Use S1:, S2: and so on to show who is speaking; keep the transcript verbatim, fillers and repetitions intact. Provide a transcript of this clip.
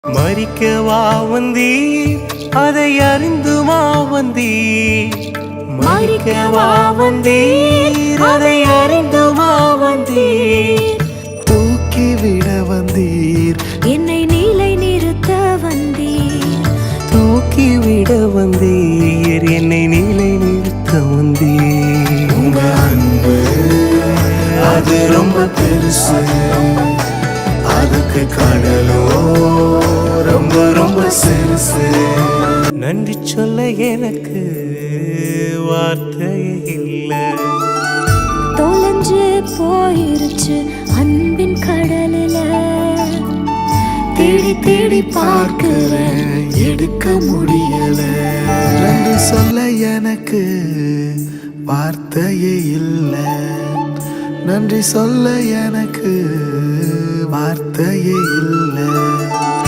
S1: மறிக்கவா வந்தீர், அதை அறிந்துமா வந்தீர். மறிக்கவா வந்தீர், அதை அறிந்துமா வந்தீர்.
S2: தூக்கிவிட வந்தீர்,
S3: என்னை நிலை நிறுத்த வந்தீர்.
S1: தூக்கிவிட வந்தீர், என்னை நிலை நிறுத்த வந்தீர்.
S2: உங்க அன்பு அது ரொம்ப பெருசு, அதுக்கு கடலோ ரொம்ப ரொம்ப சிறுசு.
S1: நன்றி சொல்ல எனக்கு வார்த்தையே இல்லை.
S3: தொலைஞ்சு போயிருச்சு அன்பின் கடலில,
S2: தேடி தேடி பார்க்கிறேன், எடுக்க முடியல. நன்றி சொல்ல எனக்கு வார்த்தையே இல்லை. நன்றி சொல்ல எனக்கு வார்த்தையே இல்லை.